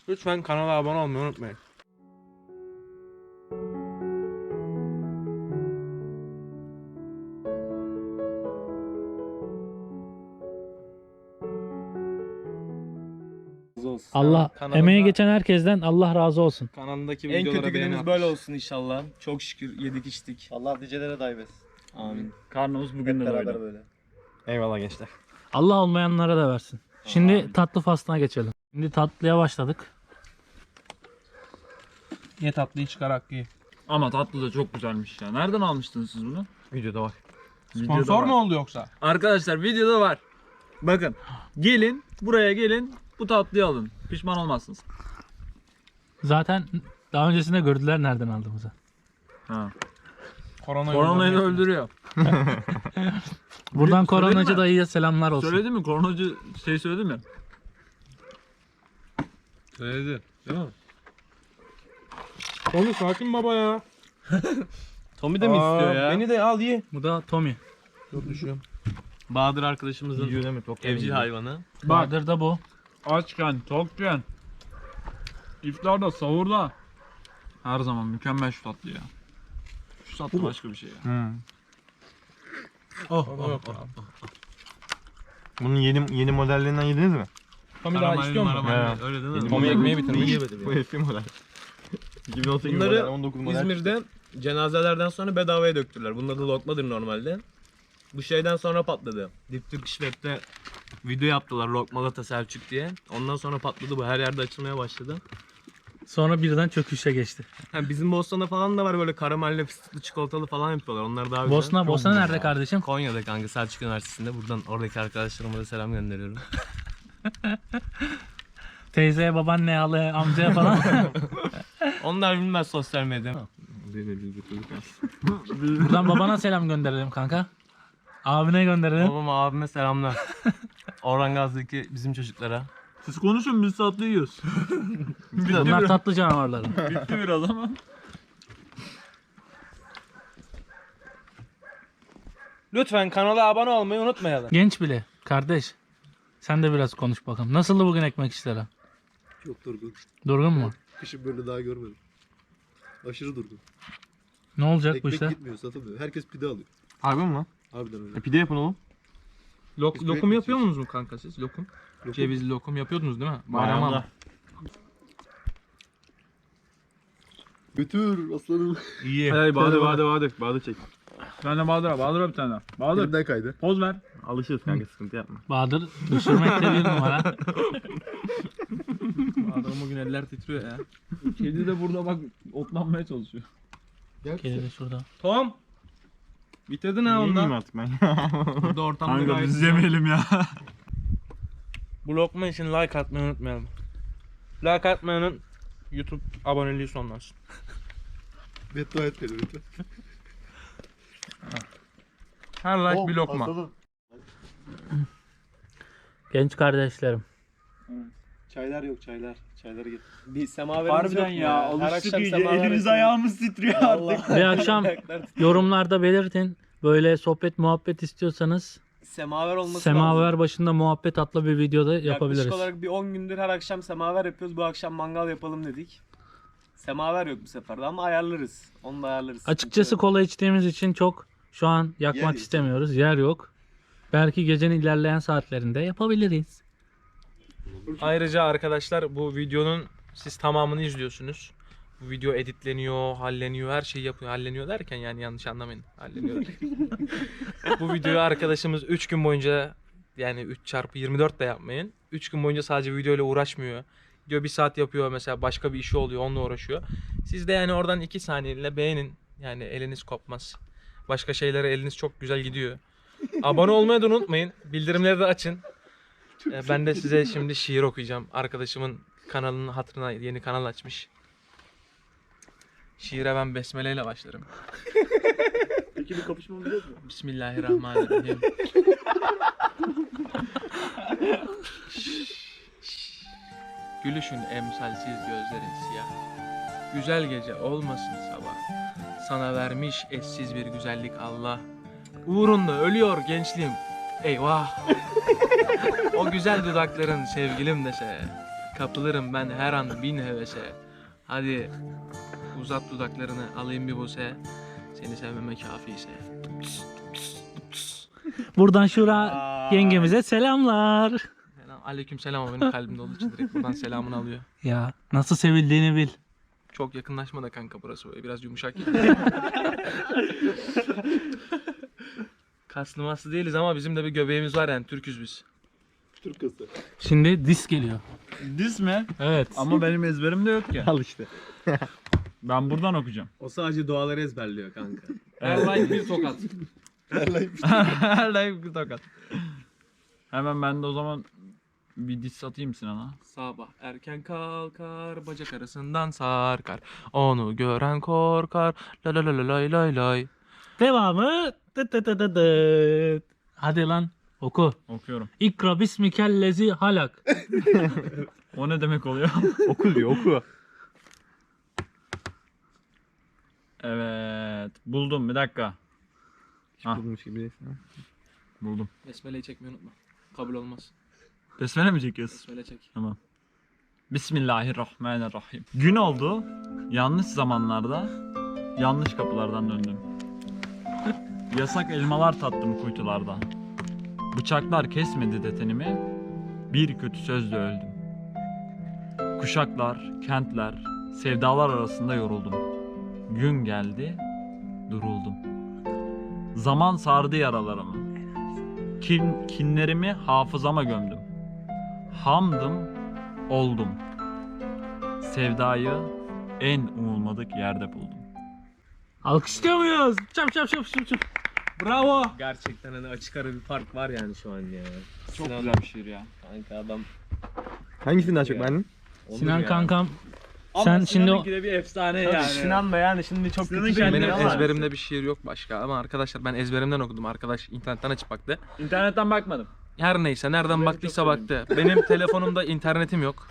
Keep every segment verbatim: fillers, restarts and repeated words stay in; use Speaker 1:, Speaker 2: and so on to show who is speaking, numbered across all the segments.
Speaker 1: Lütfen kanala abone olmayı unutmayın.
Speaker 2: Allah
Speaker 1: Kanalında-
Speaker 2: emeği geçen herkesten Allah razı olsun.
Speaker 1: Kanalındaki
Speaker 3: En
Speaker 1: videolara
Speaker 3: kötü
Speaker 1: beğeni
Speaker 3: günümüz
Speaker 1: atmış.
Speaker 3: böyle olsun inşallah. Çok şükür yedik içtik.
Speaker 4: Allah nicelere daim etsin.
Speaker 3: Amin.
Speaker 5: Karnımız bugün
Speaker 4: Hep
Speaker 5: de
Speaker 4: beraber
Speaker 5: böyle.
Speaker 4: böyle.
Speaker 1: Eyvallah gençler.
Speaker 2: Allah olmayanlara da versin. Şimdi tatlı faslına geçelim. Şimdi tatlıya başladık.
Speaker 1: Ye tatlıyı çıkar Hakkı.
Speaker 5: Ama tatlı da çok güzelmiş ya. Nereden almıştınız siz bunu?
Speaker 1: Videoda var.
Speaker 5: Videoda
Speaker 1: Sponsor
Speaker 5: var.
Speaker 1: mu oldu yoksa?
Speaker 5: Arkadaşlar videoda var. Bakın. Gelin buraya gelin. Bu tatlıyı alın. Pişman olmazsınız.
Speaker 2: Zaten daha öncesinde gördüler nereden aldığımızı.
Speaker 5: Ha.
Speaker 1: Koronayı,
Speaker 5: Koronayı da
Speaker 1: öldürmek.
Speaker 5: öldürüyor.
Speaker 2: Buradan
Speaker 5: Söyledin
Speaker 2: koronacı
Speaker 5: mi?
Speaker 2: dayıya selamlar olsun.
Speaker 5: Söyledin mi? Koronacı şey söyledi mi?
Speaker 1: Söyledi. Değil mi? Tommy sakin baba ya.
Speaker 3: Tommy de mi istiyor ya?
Speaker 1: Beni de al ye.
Speaker 2: Bu da Tommy.
Speaker 1: Çok düşüyorum.
Speaker 3: Bahadır arkadaşımızın
Speaker 1: Yiyor değil mi? Tok
Speaker 3: evcil
Speaker 1: yiyor.
Speaker 3: hayvanı.
Speaker 2: Bahadır da bu.
Speaker 5: Açken, tokken. İftarda, sahurda. Her zaman mükemmel şu tatlı ya. Şu tatlı başka bir şey ya.
Speaker 1: Hı.
Speaker 3: Oh,
Speaker 1: Oh, oh, oh. Bunun yeni yeni modellerinden yediniz mi? Tommy daha istiyor mu?
Speaker 3: Karamelli, öyle değil mi?
Speaker 1: Tommy ekmeği bitirmiş.
Speaker 3: Yemedim
Speaker 1: Bu
Speaker 3: ya.
Speaker 1: eski model. iki bin on sekiz
Speaker 3: Bunları
Speaker 1: model, on dokuz model.
Speaker 3: İzmir'de cenazelerden sonra bedavaya döktürdüler. Bunun adı lokmadır normalde. Bu şeyden sonra patladı. Deep Turkish Web'de video yaptılar Lokmalata Selçuk diye. Ondan sonra patladı bu. Her yerde açılmaya başladı.
Speaker 2: Sonra birden çöküşe geçti.
Speaker 3: Ha, bizim Bosna'da falan da var böyle karamelli, fıstıklı, çikolatalı falan yapıyorlar. Onlar daha güzel.
Speaker 2: Bosna, Bosna nerede kardeşim?
Speaker 3: Konya'da kanka Selçuk Üniversitesi'nde. Buradan oradaki arkadaşlarıma da selam gönderiyorum.
Speaker 2: Teyzeye, babaanneye, halaya, amcaya falan.
Speaker 3: Onlar bilmez sosyal medya.
Speaker 2: Buradan babana selam gönderelim kanka. Abine gönderelim.
Speaker 3: Babama, abime selamlar. Orhan Gazi'deki bizim çocuklara.
Speaker 5: Siz konuşun biz tatlı yiyoruz.
Speaker 2: Bunlar tatlı canavarları.
Speaker 5: Bitti biraz ama.
Speaker 1: Lütfen kanala abone olmayı unutmayalım.
Speaker 2: Genç bile. Kardeş. Sen de biraz konuş bakalım. Nasıldı bugün ekmek işleri?
Speaker 4: Çok durgun.
Speaker 2: Durgun mu?
Speaker 4: Kışın böyle daha görmedim. Aşırı durgun.
Speaker 2: Ne olacak bu
Speaker 4: Ekmek
Speaker 2: işler?
Speaker 4: gitmiyor, satılmıyor. Herkes pide alıyor.
Speaker 1: Harbi mi lan?
Speaker 4: Harbiden öyle.
Speaker 1: E, pide yapın oğlum. Lok,
Speaker 4: Biz
Speaker 1: lokum
Speaker 4: ekmek
Speaker 1: yapıyor
Speaker 4: yiyoruz.
Speaker 1: musunuz mu kanka siz? Lokum.
Speaker 4: Lokum.
Speaker 1: Cevizli lokum yapıyordunuz değil mi?
Speaker 5: Bayramda.
Speaker 1: Bayrama.
Speaker 4: Götür aslanım.
Speaker 1: İyi.
Speaker 5: Hadi Bahadır, Bahadır, Bahadır. Bahadır çek. Ben de Bahadır'a, Bahadır'a bir tane daha. Bahadır,
Speaker 4: Elimden kaydı.
Speaker 5: poz ver.
Speaker 1: Alışırız kanka sıkıntı yapma.
Speaker 2: Bahadır düşürmekte bir numara.
Speaker 1: Adamın bugün eller titriyor ya.
Speaker 5: Kedi de burada bak otlanmaya çalışıyor.
Speaker 4: Gel
Speaker 2: Kedi de şurada.
Speaker 1: Tom. Bitirdin ha
Speaker 6: Yemeyeyim
Speaker 1: ondan.
Speaker 6: artık ben.
Speaker 1: Burada ortamda
Speaker 5: Kanka
Speaker 1: gayet
Speaker 5: biz
Speaker 1: güzel.
Speaker 5: yemeyelim ya.
Speaker 1: Bu lokma için like atmayı unutmayalım. Like atmayanın YouTube aboneliği sonlansın.
Speaker 4: beddua et beni lütfen.
Speaker 1: Her like
Speaker 4: Oh,
Speaker 1: bir lokma.
Speaker 4: aslanım.
Speaker 2: Genç kardeşlerim.
Speaker 4: Çaylar yok çaylar. Çayları getir.
Speaker 3: Bir semaverimiz yok mu ya? Her
Speaker 5: alıştık
Speaker 3: akşam
Speaker 5: iyice.
Speaker 3: semaver
Speaker 5: Elimiz
Speaker 3: yapıyoruz.
Speaker 5: ayağımız titriyor artık.
Speaker 2: Bir akşam yorumlarda belirtin. Böyle sohbet muhabbet istiyorsanız
Speaker 3: Semaver olması
Speaker 2: Semaver
Speaker 3: lazım.
Speaker 2: başında muhabbet adlı bir videoda yapabiliriz.
Speaker 3: Yaklaşık olarak bir on gündür her akşam semaver yapıyoruz. Bu akşam mangal yapalım dedik. Semaver yok bu sefer de ama ayarlarız. Onu da ayarlarız.
Speaker 2: Açıkçası
Speaker 3: Sıkıntı yok.
Speaker 2: kola içtiğimiz için çok şu an yakmak
Speaker 4: Yer yok.
Speaker 2: istemiyoruz. Yer yok. Belki gecenin ilerleyen saatlerinde yapabiliriz.
Speaker 1: Ayrıca arkadaşlar bu videonun siz tamamını izliyorsunuz. Bu video editleniyor, halleniyor, her şeyi yapıyor. Halleniyor derken yani yanlış anlamayın. Halleniyor. Bu videoyu arkadaşımız üç gün boyunca yani üç çarpı yirmi dört de yapmayın. üç gün boyunca sadece videoyla uğraşmıyor. Video bir saat yapıyor mesela başka bir işi oluyor onunla uğraşıyor. Siz de yani oradan iki saniyeyle beğenin. Yani eliniz kopmaz. Başka şeylere eliniz çok güzel gidiyor. Abone olmayı da unutmayın. Bildirimleri de açın. Ee, Ben de size şimdi şiir okuyacağım. Arkadaşımın kanalının hatırına yeni kanal açmış. Şiire ben besmele ile başlarım.
Speaker 6: Peki bir kapışmamız yok mu?
Speaker 1: Bismillahirrahmanirrahim. Gülüşün emsalsiz gözlerin siyah. Güzel gece olmasın sabah. Sana vermiş eşsiz bir güzellik Allah. Uğrunda ölüyor gençliğim. Eyvah. O güzel dudakların sevgilim dese. Kapılırım ben her an bin hevese. Hadi uzat dudaklarını alayım bir buse. Seni sevmeme kafiyse.
Speaker 2: Buradan Şura yengemize selamlar.
Speaker 1: Selam. Aleyküm selam ama benim kalbimde olduğu için direkt buradan selamını alıyor.
Speaker 2: Ya nasıl sevildiğini bil.
Speaker 1: Çok yakınlaşma da kanka burası böyle biraz yumuşak. Kaslı maslı değiliz ama bizim de bir göbeğimiz var yani Türküz biz.
Speaker 4: Türk kızı.
Speaker 2: Şimdi dis geliyor.
Speaker 5: Diz mi?
Speaker 2: Evet.
Speaker 5: Ama benim ezberimde yok ki.
Speaker 3: Al işte.
Speaker 5: Ben buradan okuyacağım.
Speaker 3: O sadece duaları ezberliyor kanka.
Speaker 1: Her like bir tokat.
Speaker 5: Her like bir tokat. Hemen ben de o zaman bir diz atayım Sinan'a.
Speaker 1: Sabah erken kalkar, bacak arasından sarkar. Onu gören korkar. La la la la lay lay lay.
Speaker 2: Devamı. Tıt tıt tıt tıt tıt. Hadi lan oku.
Speaker 5: Okuyorum.
Speaker 2: İkra bismikellezi halak.
Speaker 5: O ne demek oluyor?
Speaker 3: Oku diyor oku.
Speaker 5: Evet. Buldum bir dakika. Ha.
Speaker 3: Bulmuş gibi.
Speaker 5: Buldum.
Speaker 1: Besmele'yi çekmeyi unutma. Kabul olmaz.
Speaker 5: Besmele mi çekiyorsun?
Speaker 1: Besmele çek.
Speaker 5: Tamam. Bismillahirrahmanirrahim. Gün oldu. Yanlış zamanlarda yanlış kapılardan döndüm. Yasak elmalar tattım kuytularda. Bıçaklar kesmedi de tenimi. Bir kötü sözle öldüm. Kuşaklar, kentler, sevdalar arasında yoruldum. Gün geldi, duruldum. Zaman sardı yaralarımı. Kin, kinlerimi hafızama gömdüm. Hamdım, oldum. Sevdayı en umulmadık yerde buldum.
Speaker 2: Alkışlıyor muyuz? Çap çap çap çap çap.
Speaker 1: Bravo.
Speaker 3: Gerçekten hani açık ara bir fark var yani şu an ya.
Speaker 5: Çok
Speaker 3: Sinan-
Speaker 5: güzel bir şiir ya.
Speaker 3: Kanka adam.
Speaker 4: Hangisini daha çok beğendin?
Speaker 3: Olur
Speaker 2: Sinan
Speaker 3: ya.
Speaker 2: kankam. Sen şimdi o...
Speaker 5: de bir efsane
Speaker 3: Tabii Sinan da yani şimdi çok
Speaker 5: Sinan'ın
Speaker 3: kötü bir
Speaker 5: kendine
Speaker 1: Benim
Speaker 5: ama-
Speaker 1: ezberimde bir şiir yok başka ama arkadaşlar ben ezberimden okudum. Arkadaş internetten açıp baktı.
Speaker 5: İnternetten bakmadım.
Speaker 1: Her neyse nereden
Speaker 5: Beni
Speaker 1: baktıysa
Speaker 5: çok
Speaker 1: baktı. Benim telefonumda internetim yok.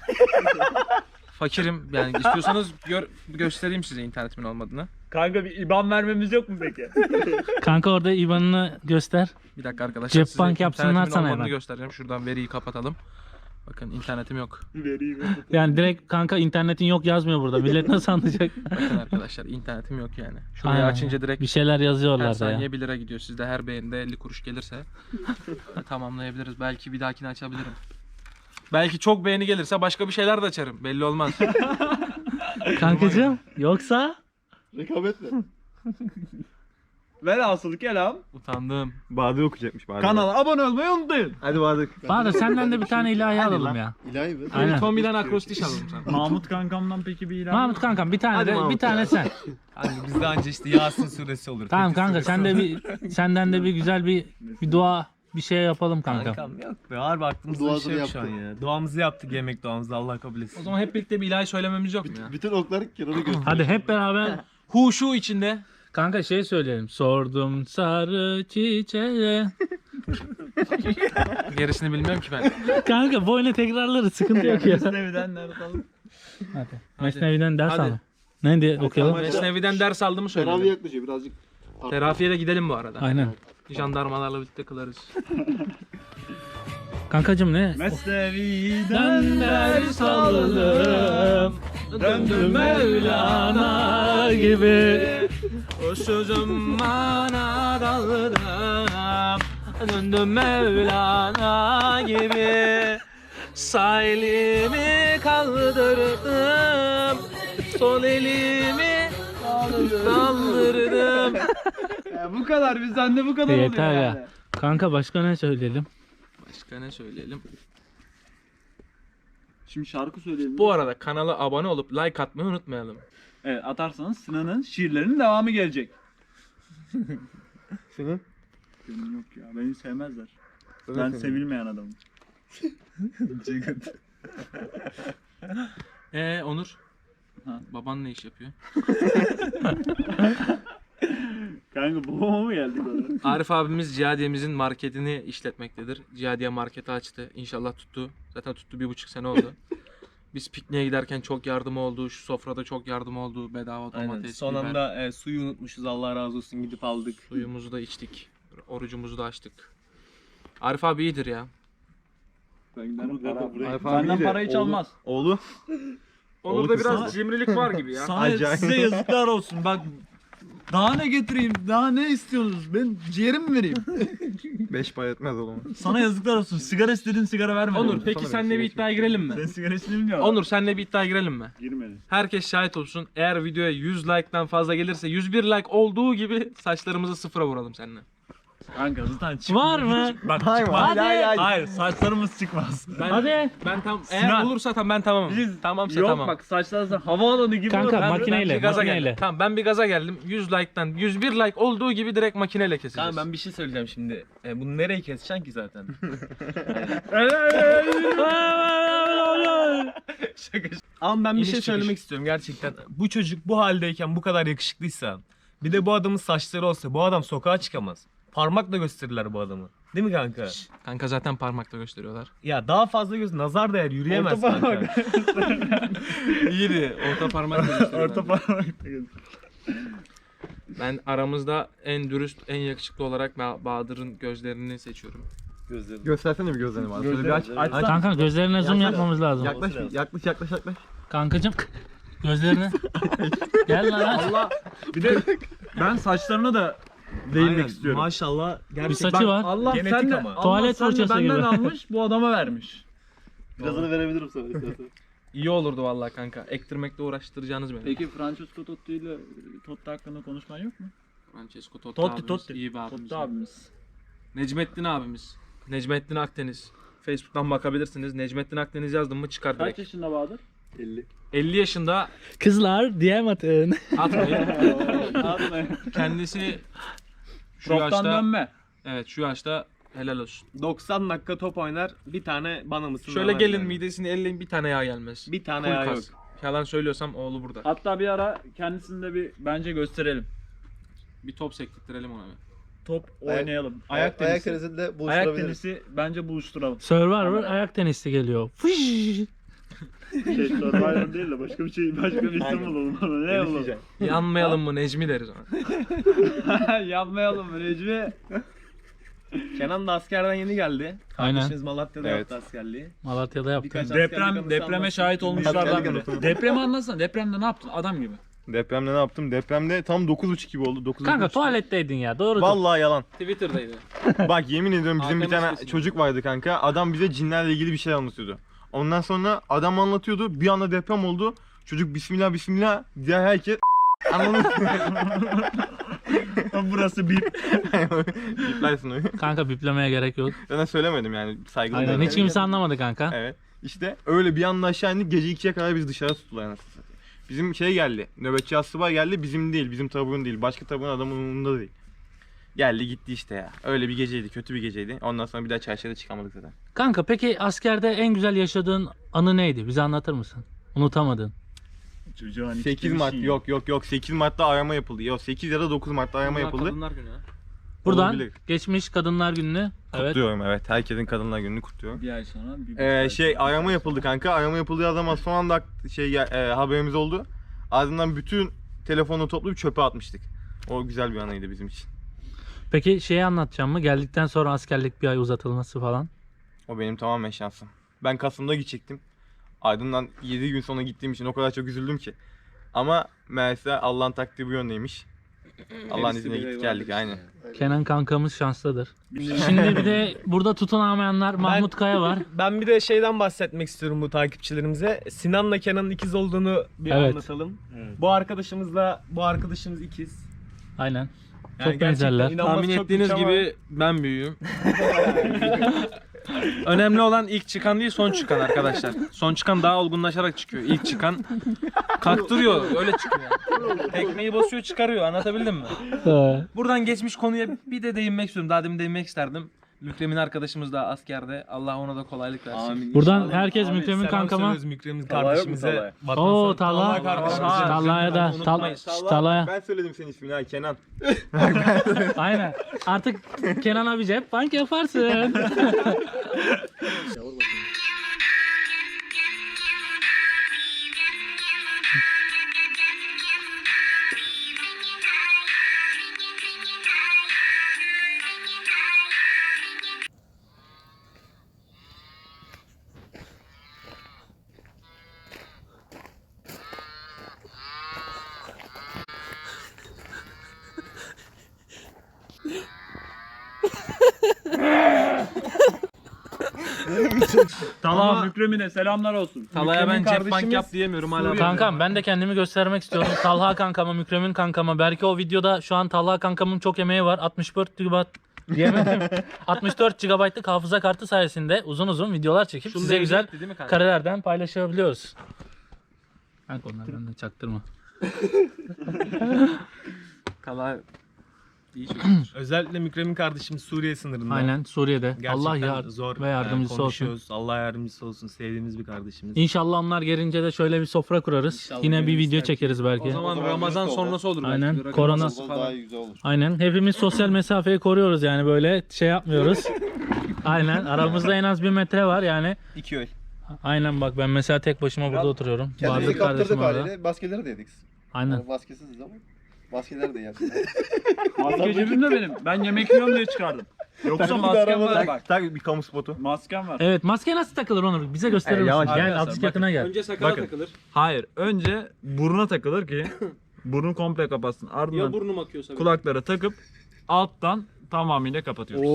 Speaker 1: Fakirim yani istiyorsanız gör, göstereyim size internetimin olmadığını.
Speaker 5: Kanka bir I B A N vermemiz yok mu peki?
Speaker 2: Kanka orada I B A N'ını göster.
Speaker 1: Bir dakika arkadaşlar.
Speaker 2: Cep
Speaker 1: size
Speaker 2: bank yapsınlar
Speaker 1: internetimin
Speaker 2: sana
Speaker 1: olmadığını
Speaker 2: hemen.
Speaker 1: göstereceğim. Şuradan veriyi kapatalım. Bakın internetim yok.
Speaker 5: Vereyim.
Speaker 2: Yani direkt kanka internetin yok yazmıyor burada. Millet nasıl anlayacak?
Speaker 1: Bakın arkadaşlar internetim yok yani. Şurayı
Speaker 2: Aynen.
Speaker 1: açınca direkt
Speaker 2: Bir şeyler
Speaker 1: her
Speaker 2: yazıyorlar da ya.
Speaker 1: saniye bir lira gidiyor. Sizde her beğenide elli kuruş gelirse tamamlayabiliriz. Belki bir dahakini açabilirim. Belki çok beğeni gelirse başka bir şeyler de açarım. Belli olmaz.
Speaker 2: Kankacığım yoksa?
Speaker 4: Rekabet mi?
Speaker 5: Velhasıl kelam.
Speaker 1: Utandım.
Speaker 3: Bahadır okuyacakmış Bahadır.
Speaker 5: Kanala abone olmayı unutmayın.
Speaker 3: Hadi Bahadır.
Speaker 2: Bahadır senden de bir tane ilahi
Speaker 3: Hadi
Speaker 2: alalım
Speaker 3: lan.
Speaker 2: ya.
Speaker 4: İlahi mi?
Speaker 2: Aynen.
Speaker 1: Tommy'den akrostiş alalım sana.
Speaker 5: Mahmut kankamdan peki bir ilan.
Speaker 2: Mahmut kankam bir tane
Speaker 3: Hadi
Speaker 2: de bir
Speaker 3: Mahmut
Speaker 2: tane
Speaker 3: ya.
Speaker 2: sen.
Speaker 3: Hani bizde anca işte Yasin suresi olur.
Speaker 2: Tamam
Speaker 3: Fetih
Speaker 2: kanka
Speaker 3: suresi
Speaker 2: sen de
Speaker 3: olur.
Speaker 2: bir senden de bir güzel bir bir dua bir şey yapalım kanka.
Speaker 3: Kankam yok be harbi aklımızda bir
Speaker 4: Duasını
Speaker 3: şey yok şu an
Speaker 4: yaptı.
Speaker 3: ya. Duamızı yaptık yemek duamızı Allah kabul etsin.
Speaker 1: O zaman hep birlikte bir ilahi söylememiz yok mu ya?
Speaker 4: Bütün okları kenara göster.
Speaker 2: Hadi hep beraber
Speaker 1: Huşu içinde.
Speaker 2: kanka şey söyleyelim. Sordum sarı çiçeğe.
Speaker 1: Gerisini bilmiyorum ki ben.
Speaker 2: Kanka boyuna tekrarları sıkıntı yok ya.
Speaker 5: Mesnevi'den nerede alalım?
Speaker 2: Hadi. Mesnevi'den ders
Speaker 1: Hadi.
Speaker 2: alalım. Ne diye okuyalım?
Speaker 1: Mesnevi'den ders aldığımı
Speaker 4: Teravih
Speaker 1: söyledim.
Speaker 4: yaklaşıyor birazcık.
Speaker 1: Terafiye de gidelim bu arada.
Speaker 2: Aynen.
Speaker 1: Jandarmalarla birlikte kılarız.
Speaker 2: Kankacım ne?
Speaker 5: Mesnevi'den
Speaker 2: Ben ders aldım. Döndüm Mevlana gibi.
Speaker 1: O sözüm bana daldım. Döndüm Mevlana gibi. Sağ elimi kaldırdım. Sol elimi kaldırdım.
Speaker 5: Ya bu kadar bizden de bu kadar oluyor
Speaker 2: Yeter
Speaker 5: yani.
Speaker 2: ya. Kanka başka ne söyleyelim?
Speaker 1: Başka ne söyleyelim?
Speaker 6: Şimdi şarkı söyleyelim.
Speaker 1: Bu arada kanala abone olup like atmayı unutmayalım.
Speaker 5: Evet atarsanız Sinan'ın şiirlerinin devamı gelecek.
Speaker 4: Senin?
Speaker 5: Benim yok ya beni sevmezler. Ben sevilmeyen adamım.
Speaker 1: Ee Onur?
Speaker 5: Ha.
Speaker 1: Baban ne iş yapıyor?
Speaker 5: Kanka babama mı geldik orada?
Speaker 1: Arif abimiz Cihadiye'mizin marketini işletmektedir. Cihadiye marketi açtı. İnşallah tuttu. Zaten tuttu bir buçuk sene oldu. Biz pikniğe giderken çok yardım oldu. Şu sofrada çok yardım oldu. Bedava
Speaker 3: Aynen.
Speaker 1: domates,
Speaker 3: Son
Speaker 1: biber.
Speaker 3: anda e, suyu unutmuşuz Allah razı olsun gidip aldık.
Speaker 1: Suyumuzu da içtik. Orucumuzu da açtık. Arif abi iyidir ya.
Speaker 5: Ben giderim para.
Speaker 4: Buraya-
Speaker 5: Benden para hiç
Speaker 4: Oğlu-
Speaker 5: almaz.
Speaker 4: Oğlu.
Speaker 1: Onurda
Speaker 4: Oğlum,
Speaker 1: biraz
Speaker 5: sana-
Speaker 1: cimrilik var gibi ya.
Speaker 5: Sana
Speaker 4: Acayip.
Speaker 5: size yazıklar olsun. Bak daha ne getireyim? Daha ne istiyorsunuz? Ben ciğerimi mi vereyim?
Speaker 4: Beş pay etmez oğlum.
Speaker 5: Sana yazıklar olsun. Sigara istedin sigara vermedin.
Speaker 1: Onur peki
Speaker 4: Sana
Speaker 1: senle
Speaker 4: bir
Speaker 1: bir
Speaker 4: şey
Speaker 1: iddiaya girelim mi?
Speaker 5: Sen sigara istedin ya.
Speaker 1: Onur senle bir iddiaya girelim mi?
Speaker 6: Girmedi.
Speaker 1: Herkes şahit olsun. Eğer videoya yüz like'tan fazla gelirse yüz bir like olduğu gibi saçlarımızı sıfıra vuralım seninle.
Speaker 5: Kanka zaten çıkmıyor.
Speaker 2: Var mı?
Speaker 5: Hiç- Bak
Speaker 4: Hayır,
Speaker 5: çıkmaz.
Speaker 4: hayır, hayır, hayır.
Speaker 5: Hayır saçlarımız çıkmaz.
Speaker 1: Ben,
Speaker 2: Hadi.
Speaker 1: Ben tam eğer
Speaker 5: Sinan.
Speaker 1: olursa tam ben tamamım.
Speaker 5: Biz-
Speaker 1: Tamamsa
Speaker 5: Yok
Speaker 1: tamam.
Speaker 5: bak saçlar havaalanı gibi
Speaker 2: Kanka,
Speaker 5: olur. Ben-
Speaker 2: makineyle.
Speaker 1: Ben bir gaza
Speaker 2: makineyle.
Speaker 1: geldim. Tamam ben bir gaza geldim. yüz like'tan yüz bir like olduğu gibi direkt makineyle keseceğiz.
Speaker 3: Tamam ben bir şey söyleyeceğim şimdi. E, bunu nereye keseceksin ki zaten? Şaka. Ama ben bir
Speaker 1: İniş
Speaker 3: şey
Speaker 1: çıkış.
Speaker 3: söylemek istiyorum gerçekten. Bu çocuk bu haldeyken bu kadar yakışıklıysa, bir de bu adamın saçları olsa bu adam sokağa çıkamaz. Parmakla gösterirler bu adamı. Değil mi kanka?
Speaker 1: Kanka zaten parmakla gösteriyorlar.
Speaker 3: Ya daha fazla göz nazar değer yürüyemez kanka.
Speaker 1: İyiydi. Orta parmakla gösteriyor.
Speaker 5: Orta parmak.
Speaker 1: Ben aramızda en dürüst, en yakışıklı olarak Ba- Bahadır'ın gözlerini seçiyorum.
Speaker 6: Gözlerim.
Speaker 4: Göstersene bir gözlerini bana. Şöyle bir aç.
Speaker 6: Gözlerini-
Speaker 4: aç.
Speaker 2: Kanka gözlerine zoom yapmamız lazım.
Speaker 4: Yaklaş, bir, yaklaş, yaklaş, yaklaş.
Speaker 2: Kankacım gözlerini. Gel lan aç.
Speaker 5: Allah. Bir de ben saçlarına da değinmek
Speaker 3: Aynen,
Speaker 5: istiyorum.
Speaker 3: Maşallah.
Speaker 2: Bir saçı var.
Speaker 5: Allah
Speaker 3: Genetik
Speaker 5: sen de,
Speaker 3: ama.
Speaker 5: Allah
Speaker 2: Tuvalet
Speaker 5: sen de
Speaker 2: fırçası
Speaker 5: benden
Speaker 2: gibi.
Speaker 5: almış bu adama vermiş.
Speaker 6: Birazını verebilirim sana istersen.
Speaker 1: İyi olurdu vallahi kanka. Ektirmekle uğraştıracağınız beni.
Speaker 5: Peki Francesco Totti ile Totti hakkında konuşman yok mu?
Speaker 1: Francesco Totti,
Speaker 5: Totti
Speaker 1: abimiz,
Speaker 5: Totti.
Speaker 1: iyi bir abimiz.
Speaker 5: Totti abimiz.
Speaker 1: Necmettin abimiz. Necmettin Akdeniz. Facebook'tan bakabilirsiniz. Necmettin Akdeniz yazdım mı çıkar
Speaker 5: Kaç
Speaker 1: direkt.
Speaker 5: yaşında Bahadır?
Speaker 6: elli.
Speaker 1: elli yaşında
Speaker 2: Kızlar D M atın.
Speaker 1: atmayın.
Speaker 5: Abi
Speaker 1: Kendisi şu
Speaker 5: Proftan
Speaker 1: yaşta
Speaker 5: dönme.
Speaker 1: evet şu yaşta helal olsun.
Speaker 3: doksan dakika top oynar. Bir tane bana mısın?
Speaker 1: Şöyle gelin midesini elleyin bir tane yağ gelmez.
Speaker 3: Bir tane
Speaker 1: Full
Speaker 3: yağ yok.
Speaker 1: kas. Yalan söylüyorsam oğlu burada.
Speaker 5: Hatta bir ara kendisini de bir bence gösterelim.
Speaker 1: Bir top sektirtelim ona. bir.
Speaker 5: Top
Speaker 6: Ayak-
Speaker 5: oynayalım.
Speaker 3: Ayak
Speaker 6: Ayak,
Speaker 3: tenisi.
Speaker 6: ayak tenisinde
Speaker 5: Ayak
Speaker 6: buluşturabiliriz.
Speaker 5: tenisi bence buluşturalım.
Speaker 2: Survivor ayak tenisi geliyor. Fış.
Speaker 6: Şey, Survivor değil de başka bir şey, başka bir isim bulalım ona. Ne bulalım?
Speaker 1: Yanmayalım mı Necmi deriz ona.
Speaker 5: Yapmayalım Recmi.
Speaker 3: Kenan da askerden yeni geldi.
Speaker 2: Aynen.
Speaker 3: Kardeşiniz Malatya'da
Speaker 4: Evet.
Speaker 3: yaptı askerliği.
Speaker 2: Malatya'da yaptım.
Speaker 3: Birkaç askerlik
Speaker 5: Deprem
Speaker 3: anısı
Speaker 5: depreme
Speaker 3: anlatsın.
Speaker 5: şahit olmuşlardan
Speaker 4: Askerlik
Speaker 5: biri.
Speaker 4: anısı.
Speaker 5: Depremi anlatsana. Depremde ne yaptın? Adam gibi.
Speaker 4: Depremde ne yaptım? Depremde tam dokuz buçuk gibi oldu. dokuz
Speaker 2: Kanka
Speaker 4: buçuk.
Speaker 2: tuvaletteydin ya doğru.
Speaker 4: Vallahi yalan.
Speaker 1: Twitter'daydı.
Speaker 4: Bak yemin ediyorum bizim bir
Speaker 1: Hakan
Speaker 4: tane
Speaker 1: Usta'sın.
Speaker 4: çocuk vardı kanka. Adam bize cinlerle ilgili bir şey anlatıyordu. Ondan sonra adam anlatıyordu. Bir anda deprem oldu. Çocuk bismillah bismillah. Diğer herkes anladın
Speaker 5: Burası bir.
Speaker 4: Yıplarsın onu.
Speaker 2: Kanka biplemeye gerek yok.
Speaker 4: Ben de söylemedim yani saygılı.
Speaker 2: Aynen hiç kimse anlamadı kanka.
Speaker 4: Evet. İşte öyle bir anda aşağı indik. Gece ikiye kadar biz dışarı tuttular anasını satayım. Bizim şey geldi. Nöbetçi asubay geldi. Bizim değil. Bizim taburun değil. Başka taburun adamın umurunda değil. Geldi gitti işte ya. Öyle bir geceydi. Kötü bir geceydi. Ondan sonra bir daha çarşıda çıkamadık zaten.
Speaker 2: Kanka peki askerde en güzel yaşadığın anı neydi? Bize anlatır mısın? Unutamadın.
Speaker 5: Çocuğun
Speaker 4: sekiz Mart yok yok yok sekiz Mart'ta arama yapıldı. Yok sekiz ya da dokuz Mart'ta arama
Speaker 1: Bunlar
Speaker 4: yapıldı.
Speaker 1: Kadınlar günü ha.
Speaker 2: Buradan
Speaker 4: Olabilir.
Speaker 2: geçmiş Kadınlar Günü'nü. Evet.
Speaker 4: Kutluyorum evet. Herkesin kadınlar gününü kutluyorum.
Speaker 5: Bir ay sonra. Bir buçuk
Speaker 4: Ee,
Speaker 5: ay
Speaker 4: şey
Speaker 5: sonra.
Speaker 4: arama yapıldı kanka. Arama yapıldığı zaman son anda şey gel- e, haberimiz oldu. Ardından bütün telefonu toplayıp çöpe atmıştık. O güzel bir anıydı bizim için.
Speaker 2: Peki şeyi anlatacağım mı? Geldikten sonra askerlik bir ay uzatılması falan.
Speaker 4: O benim tamamen şansım. Ben Kasım'da gidecektim. Ardından yedi gün sonra gittiğim için o kadar çok üzüldüm ki. Ama meğerse Allah'ın takdiri bu yöndeymiş. Allah'ın izniyle gittik geldik aynen.
Speaker 2: Kenan kankamız şanslıdır. Şimdi bir de burada tutunamayanlar Mahmut Kaya var.
Speaker 3: Ben bir de şeyden bahsetmek istiyorum bu takipçilerimize. Sinan'la Kenan'ın ikiz olduğunu bir
Speaker 2: Evet.
Speaker 3: anlatalım.
Speaker 6: Evet.
Speaker 3: Bu arkadaşımızla bu arkadaşımız ikiz.
Speaker 2: Aynen.
Speaker 3: Yani
Speaker 2: Çok
Speaker 3: gerçekten
Speaker 2: benzerler.
Speaker 3: inanması
Speaker 1: Tahmin
Speaker 3: çok
Speaker 1: ettiğiniz
Speaker 3: güç ama-
Speaker 1: gibi ben büyüğüm. Önemli olan ilk çıkan değil son çıkan arkadaşlar. Son çıkan daha olgunlaşarak çıkıyor. İlk çıkan kaktırıyor öyle çıkıyor. Tekmeyi basıyor çıkarıyor anlatabildim mi?
Speaker 2: Ee,
Speaker 1: Buradan geçmiş konuya bir de değinmek istiyorum. Daha demin değinmek isterdim. Mükremin arkadaşımız da askerde. Allah ona da kolaylık versin.
Speaker 3: Amin.
Speaker 2: Buradan
Speaker 3: İnşallah.
Speaker 2: herkes
Speaker 3: Abi,
Speaker 2: Mükremin
Speaker 3: selam
Speaker 2: kankama.
Speaker 3: söylüyoruz Mükremin
Speaker 6: Talha yok mu
Speaker 3: kardeşimize.
Speaker 6: Talha?
Speaker 3: Vatan
Speaker 2: Oo
Speaker 3: sağ-
Speaker 2: Talha.
Speaker 3: Talha kardeşimize.
Speaker 2: Aa, Talha'ya da. Tal
Speaker 1: Unutmayın.
Speaker 2: Talha'ya.
Speaker 4: Ben söyledim senin ismini ha Kenan.
Speaker 2: Aynen. Artık Kenan abi cep bank yaparsın.
Speaker 5: Talha
Speaker 1: Ama-
Speaker 5: Mükremin'e selamlar olsun.
Speaker 1: Talaya ben
Speaker 3: Mükremin
Speaker 1: cep bank yap
Speaker 3: kardeşimiz
Speaker 1: diyemiyorum hala.
Speaker 2: Kankam ben de kendimi göstermek istiyorum. Talha kankama, Mükremin kankama. Belki o videoda şu an Talha kankamın çok emeği var. altmış dört gigabayt diyemedim. altmış dört gigabaytlık hafıza kartı sayesinde uzun uzun videolar çekip
Speaker 1: Şunu
Speaker 2: size güzel
Speaker 1: değil mi kanka?
Speaker 2: karelerden paylaşabiliyoruz. Kanka onlardan da çaktırma.
Speaker 1: Talha iyi çocuk.
Speaker 3: Özellikle Mükremin kardeşimiz Suriye sınırında.
Speaker 2: Aynen Suriye'de.
Speaker 3: Gerçekten
Speaker 2: Allah yar
Speaker 3: zor
Speaker 2: ve yardımcısı
Speaker 3: e,
Speaker 2: olsun.
Speaker 3: konuşuyoruz. Allah yardımcısı olsun. Sevdiğimiz bir kardeşimiz.
Speaker 2: İnşallah onlar gelince de şöyle bir sofra kurarız.
Speaker 3: İnşallah
Speaker 2: Yine bir
Speaker 3: gelirler
Speaker 2: video
Speaker 3: ki.
Speaker 2: çekeriz belki.
Speaker 1: O zaman,
Speaker 7: O zaman
Speaker 1: Ramazan
Speaker 7: birisi oldu.
Speaker 1: sonrası olur.
Speaker 2: Aynen,
Speaker 1: belki.
Speaker 2: korona-
Speaker 1: Ramazan
Speaker 7: Daha
Speaker 1: falan.
Speaker 7: iyi güzel olur.
Speaker 2: Aynen. Hepimiz sosyal mesafeyi koruyoruz yani böyle şey yapmıyoruz. Aynen. Aramızda en az bir metre var yani.
Speaker 4: İki öl.
Speaker 2: Aynen bak ben mesela tek başıma burada oturuyorum.
Speaker 7: Kendimizi
Speaker 2: Bahadır kardeşim
Speaker 7: kaptırdık
Speaker 2: orada.
Speaker 7: haliyle. Maskeleri de yedik.
Speaker 2: Aynen.
Speaker 7: Yani maskesiziz ama. Maskeleri de yersin.
Speaker 5: Maske cebimde benim. Ben yemek yiyorum diye çıkardım. Yoksa maskem var bak.
Speaker 4: Tak bir kamu spotu.
Speaker 5: Maskem var.
Speaker 2: Evet maske nasıl takılır Onur? Bize gösterir
Speaker 4: E,
Speaker 2: misin?
Speaker 4: yavaş,
Speaker 2: Gel
Speaker 5: arkadaşlar,
Speaker 2: azıcık
Speaker 5: bakın.
Speaker 2: yakına gel.
Speaker 1: Önce sakala
Speaker 5: Bakın.
Speaker 1: takılır.
Speaker 5: Hayır. Önce buruna takılır ki burnu komple kapatsın.
Speaker 1: Ya
Speaker 5: Ardından
Speaker 1: burnum akıyorsa. benim.
Speaker 5: kulaklara takıp alttan tamamıyla kapatıyoruz.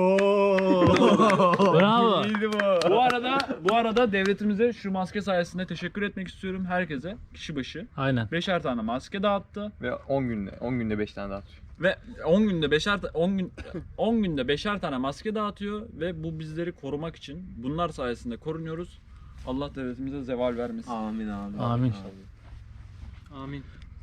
Speaker 2: Bravo.
Speaker 5: Bu arada bu arada devletimize şu maske sayesinde teşekkür etmek istiyorum herkese. Kişi başı
Speaker 2: Aynen.
Speaker 5: beşer tane maske dağıttı
Speaker 4: Ve on günde on günde beş tane dağıtıyor.
Speaker 5: ve on günde beşer ta- on gün on günde beşer tane maske dağıtıyor ve bu bizleri korumak için bunlar sayesinde korunuyoruz. Allah devletimize zeval vermesin.
Speaker 3: Amin amin.
Speaker 2: Amin.
Speaker 1: Amin.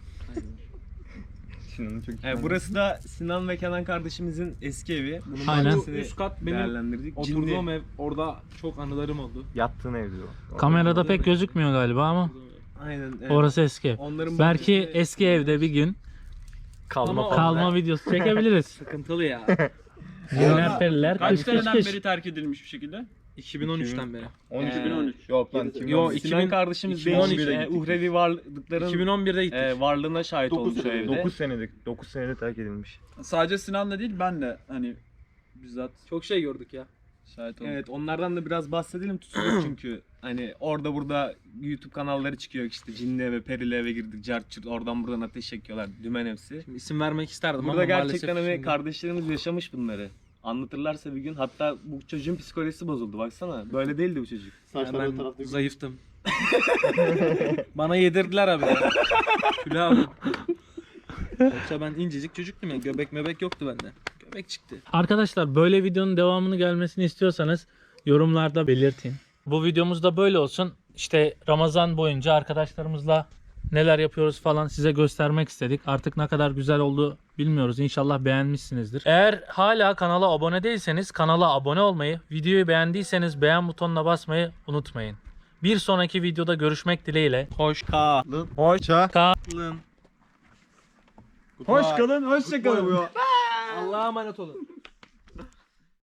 Speaker 4: Sinan'ın çok
Speaker 3: E, burası da Sinan ve Kenan kardeşimizin eski evi. Bunun
Speaker 2: Aynen.
Speaker 3: bahçesini
Speaker 1: Üst kat benim
Speaker 3: değerlendirdik.
Speaker 1: oturduğum
Speaker 3: Cinli.
Speaker 1: ev. Orada çok anılarım oldu.
Speaker 4: yattığın evde o.
Speaker 2: Kamerada pek gözükmüyor galiba ama
Speaker 3: Aynen. Evet.
Speaker 2: orası eski ev.
Speaker 3: Onların
Speaker 2: Belki
Speaker 3: bahçesini-
Speaker 2: eski evde bir gün
Speaker 1: Kalma falan.
Speaker 2: kalma videosu çekebiliriz.
Speaker 1: Sıkıntılı ya.
Speaker 2: Cinler periler
Speaker 5: Kaç
Speaker 2: kış kış
Speaker 5: seneden
Speaker 2: kış.
Speaker 5: beri terk edilmiş bir şekilde?
Speaker 1: iki bin on üçten beri.
Speaker 4: on üç.
Speaker 3: Ee,
Speaker 5: iki bin on üç.
Speaker 4: Yok lan.
Speaker 1: Yo,
Speaker 3: Sinan
Speaker 1: iki bin-
Speaker 3: kardeşimiz
Speaker 1: iki bin on
Speaker 3: değişik
Speaker 1: ikide
Speaker 3: e,
Speaker 1: gittik.
Speaker 3: uhrevi varlıkların
Speaker 1: iki bin on birde gittik.
Speaker 3: e, varlığına şahit
Speaker 7: Dokuz
Speaker 3: olmuş o
Speaker 7: sene,
Speaker 3: evde.
Speaker 4: dokuz senedir dokuz senede terk edilmiş.
Speaker 5: Sadece Sinan da değil ben de hani bizzat
Speaker 1: Çok şey gördük ya.
Speaker 5: şahit oldum.
Speaker 3: Evet, onlardan da biraz bahsedelim tutulur çünkü hani orada burada YouTube kanalları çıkıyor işte Cinli eve, Perili eve girdik, cart curt, oradan buradan ateş çekiyorlar, dümen hepsi.
Speaker 1: Şimdi isim vermek isterdim
Speaker 3: Burada
Speaker 1: ama
Speaker 3: gerçekten
Speaker 1: maalesef
Speaker 3: hani
Speaker 1: şimdi-
Speaker 3: kardeşlerimiz yaşamış bunları. Anlatırlarsa bir gün, hatta bu çocuğun psikolojisi bozuldu baksana. Böyle değildi bu çocuk.
Speaker 7: Saçları
Speaker 1: Yani
Speaker 7: o
Speaker 1: ben
Speaker 7: tarafta.
Speaker 1: zayıftım. Bana yedirdiler abi. Kilo aldım. Yoksa ben incecik çocuktum ya. Göbek mebek yoktu bende. Göbek çıktı.
Speaker 2: Arkadaşlar böyle videonun devamını gelmesini istiyorsanız yorumlarda belirtin. Bu videomuz da böyle olsun. İşte Ramazan boyunca arkadaşlarımızla neler yapıyoruz falan size göstermek istedik. Artık ne kadar güzel oldu bilmiyoruz. İnşallah beğenmişsinizdir. Eğer hala kanala abone değilseniz kanala abone olmayı, videoyu beğendiyseniz beğen butonuna basmayı unutmayın. Bir sonraki videoda görüşmek dileğiyle.
Speaker 1: Hoş kalın.
Speaker 4: Hoşça.
Speaker 5: Hoş kalın, hoşça kalın.
Speaker 1: Allah'a emanet olun.